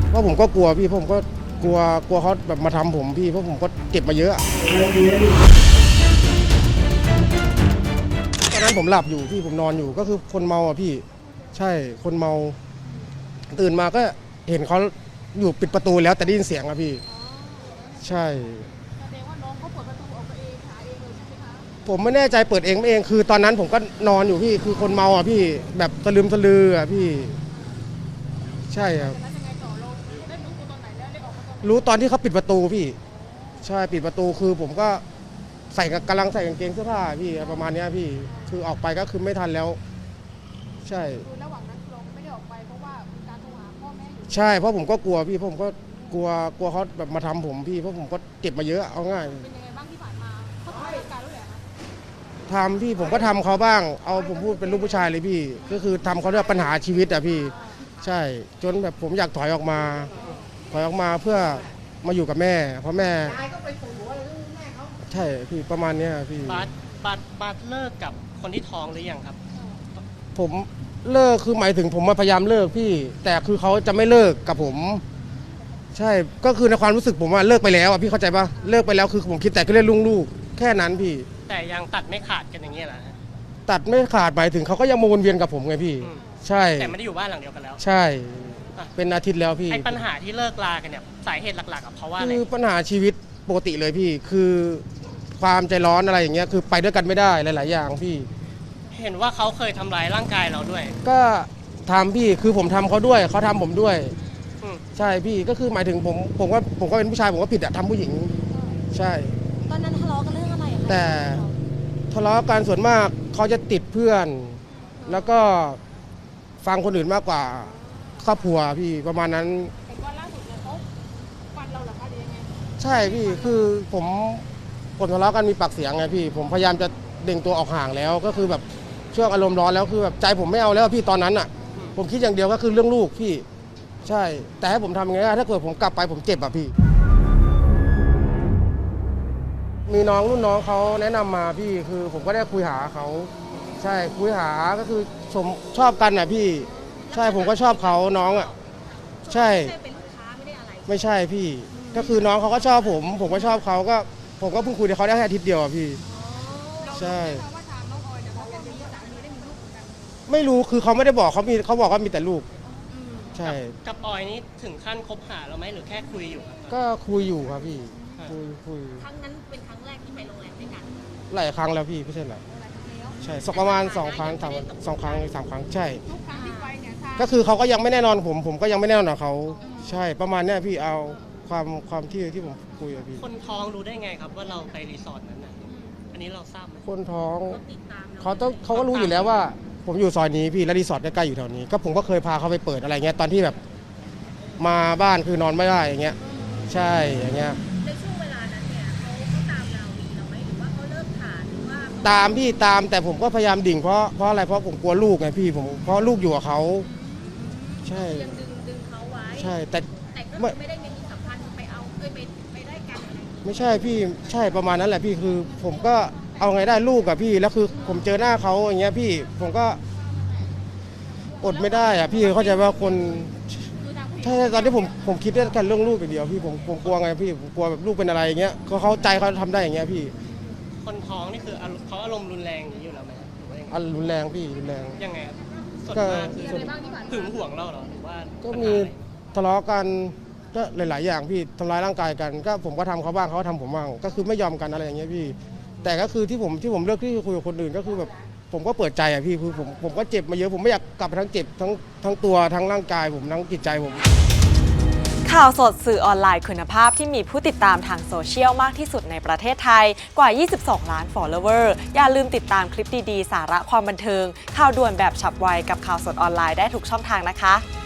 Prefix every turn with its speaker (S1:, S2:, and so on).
S1: เพราะผมก็กลัวพี่ผมก็กลัวเขาแบบมาทำผมพี่เพราะผมก็เจ็บมาเยอะตอนนั้นผมหลับอยู่พี่ผมนอนอยู่ก็คือคนเมาอ่ะพี่ใช่คนเมาตื่นมาก็เห็นเขาอยู่ปิดประตูแล้วแต่ได้ยินเสียงอะพี่ใช่
S2: แสดงว่าน้องเขาเปิดประตูออกมาเองหาเองเลยใช่ไหมคะ
S1: ผมไม่แน่ใจเปิดเองไม่เองคือตอนนั้นผมก็นอนอยู่พี่คือคนเมาอ่ะพี่แบบสลืมสลืออ่ะพี่ใช่ครับ
S2: แล้วยังไงต่อเราได้รู้ตัวตอนไหนแล้วได้ออกมาตอนไหน
S1: รู้ตอนที่เขาปิดประตูพี่ใช่ปิดประตูคือผมก็กำลังใส่กางเกงเสื้อผ้าพี่ประมาณนี้พี่คือออกไปก็คือไม่ทันแล้วใช่
S2: คือระหว่างนั้นเราไม่ได้ออกไปเพราะว่ามีการโทรหาพ่อแม่อยู่
S1: ใช่เพราะผมก็กลัวพี่ผมก็กลัวเขาแบบมาทำผมพี่เพราะผมก็เจ็บมาเยอะเอาง่าย
S2: เป็นยังไงบ้างที่ผ่านมาเขาทำเหตุการณ์ด้วยเหรอคะ
S1: ทำพี่ผมก็ทำเขาบ้างเอาผมพูดเป็นลูกผู้ชายเลยพี่ก็คือทำเขาด้วยปัญหาชีวิตอะพี่ใช่จนแบบผมอยากถอยออกมาเพื่อมาอยู่กับแม่เพราะแม่ใช่พี่ประมาณนี้พี่
S3: บาสเลิกกับคนที่ท้องหรือยังครับ
S1: ผมเลิกคือหมายถึงผมมาพยายามเลิกพี่แต่คือเขาจะไม่เลิกกับผมใช่ก็คือในความรู้สึกผมว่าเลิกไปแล้วอ่ะพี่เข้าใจปะเลิกไปแล้วคือผมคิดแต่ก็เรื่องลูกๆแค่นั้นพี่
S3: แต่ยังตัดไม่ขาดกันอย่างเงี้ยเหรอฮะ
S1: ตัดไม่ขาดหมายถึงเขาก็ยังมาวนเวียนกับผมไงพี่ใช่
S3: แต่ไม่ได้อยู่บ้านหลังเดียวกันแล้ว
S1: ใช่เป็นอาทิตย์แล้วพี่
S3: ไอ้ปัญหาที่เลิกลากันเนี่ยสาเหตุหลักๆกับเพราะว่าอะไร
S1: คือปัญหาชีวิตปกติเลยพี่คือความใจร้อนอะไรอย่างเงี้ยคือไปด้วยกันไม่ได้หลายๆอย่างพี่
S3: เห็นว่าเขาเคยทำร้ายร่างกายเราด้วย
S1: ก็ทำพี่คือผมทำเขาด้วยเขาทำผมด้วยใช่พี่ก็คือหมายถึงผมก็เป็นผู้ชายผมก็ผิดอะทำผู้หญิงใช่
S2: ตอนนั้นทะเลาะกันเรื่องอะไรอะคะ
S1: แต่ทะเลาะกันส่วนมากเขาจะติดเพื่อนแล้วก็ฟังคนอื่นมากกว่าครอบครัวพี่ประมาณนั้น
S2: เห็นว่าล่าสุดเนี่ยเขาฟันเราเหรอคะหรือยังไง
S1: ใช่พี่คือผมทะเลาะกันมีปากเสียงไงพี่ผมพยายามจะเด้งตัวออกห่างแล้วก็คือแบบช่วงอารมณ์ร้อนแล้วคือแบบใจผมไม่เอาแล้วพี่ตอนนั้นอ่ะผมคิดอย่างเดียวก็คือเรื่องลูกพี่ใช่แต่ให้ผมทำยังไงถ้าเกิดผมกลับไปผมเจ็บอ่ะพี่มีน้องรุ่นน้องเขาแนะนำมาพี่คือผมก็ได้คุยหาเขาใช่คุยหาก็คือผมชอบกันอ่ะพี่ใช่ผมก็ชอบเขาน้องอ่ะใช่
S2: เป็นลูกค้าไม่ได้อะไร
S1: ไม่ใช่พี่ก็คือน้องเขาก็ชอบผมก็ชอบเขาก็ผมก็เพิ่งคุยกับเขาได้แค่อาทิตย์เดียวอ่ะพี่ใช่
S2: ว่าทางน้องออยเนี่ยเขาก็มีสามีได้มีลูกเหมือนกัน
S1: ไม่รู้คือเขาไม่ได้บอกเขาบอกว่ามีแต่ลูกใช่
S3: กับออยนี่ถึงขั้นคบหาเราไหมหรือแค่คุยอยู่ครับ
S1: ก็คุยอยู่ครับพี่คุย
S2: ครั้งนั้นเป็นครั้งแรกที่ไปโรงแรมด้วยกัน
S1: หลายครั้งแล้วพี่ไม่ใช่หรอใช่ประมาณ2 ครั้ง3 ครั้ง3 ครั้งใช่
S2: ทุกครั้งที่ไปเนี่ย
S1: ก็คือเขาก็ยังไม่แน่นอนผมก็ยังไม่แน่นอนกับเขาใช่ประมาณนี้พี่เอาความที่ผมคุยกับพี่
S3: คนท้องรู้ได้ไงครับว่าเราไปรีสอร์ทนั้นนะอันนี้เราทราบไหม
S1: คนท้องเขาก็รู้อยู่แล้วว่าผมอยู่ซอยนี้พี่และรีสอร์ทใกล้ๆอยู่แถวนี้ก็ผมก็เคยพาเขาไปเปิดอะไรเงี้ยตอนที่แบบมาบ้านคือนอนไม่ได้อย่างเงี้ยใช่อย่างเงี้ย
S2: ในช่วงเวลานั้นเนี่ยเขาตามเราไหมหรือว่าเขาเลิกขาดหรือว่า
S1: ตามพี่ตามแต่ผมก็พยายามดิ่งเพราะอะไรเพราะผมกลัวลูกไงพี่ผมเพราะลูกอยู่กับเขาใช่
S2: ยังดึงเขาไว้
S1: ใช่แต่
S2: ก็ไม่ได้มีสัมพันธ์ไปเอาไปได้กันอะไร
S1: ไม่ใช่พี่ใช่ประมาณนั้นแหละพี่คือผมก็เอาไงได้ลูกกับพี่แล้วคือผมเจอหน้าเขาอย่างเงี้ยพี่ผมก็อดไม่ได้อะพี่เข้าใจว่าคนใช่ตอนที่ผมคิดได้แค่เรื่องลูกอย่างเดียวพี่ผมกลัวไงพี่ผมกลัวแบบลูกเป็นอะไรอย่างเงี้ยเขาใจเขาทำได้อย่างเงี้ยพี่
S3: คนท้องนี่คือเขาอารมณ์รุนแรงอยู่แล้วไหมหรือว่ายังไง
S1: รุนแรงพี่รุนแรง
S3: ยังไงครับส่วนมากคือหึงหวงเราเหรอหรือว่า
S1: ก็มีทะเลาะกันก็หลายๆอย่างพี่ทำร้ายร่างกายกันก็ผมก็ทำเขาบ้างเขาทำผมบ้างก็คือไม่ยอมกันอะไรอย่างเงี้ยพี่แต่ก็คือที่ผมเลือกที่จะคุยกับคนอื่นก็คือแบบผมก็เปิดใจอ่ะพี่คือผมก็เจ็บมาเยอะผมไม่อยากกลับไปทั้งเจ็บทั้งตัวทั้งร่างกายผมทั้งจิตใจผม
S4: ข่าวสดสื่อออนไลน์คุณภาพที่มีผู้ติดตามทางโซเชียลมากที่สุดในประเทศไทยกว่า 22 ล้าน follower อย่าลืมติดตามคลิปดีๆ สาระความบันเทิงข่าวด่วนแบบฉับไวกับข่าวสดออนไลน์ได้ทุกช่องทางนะคะ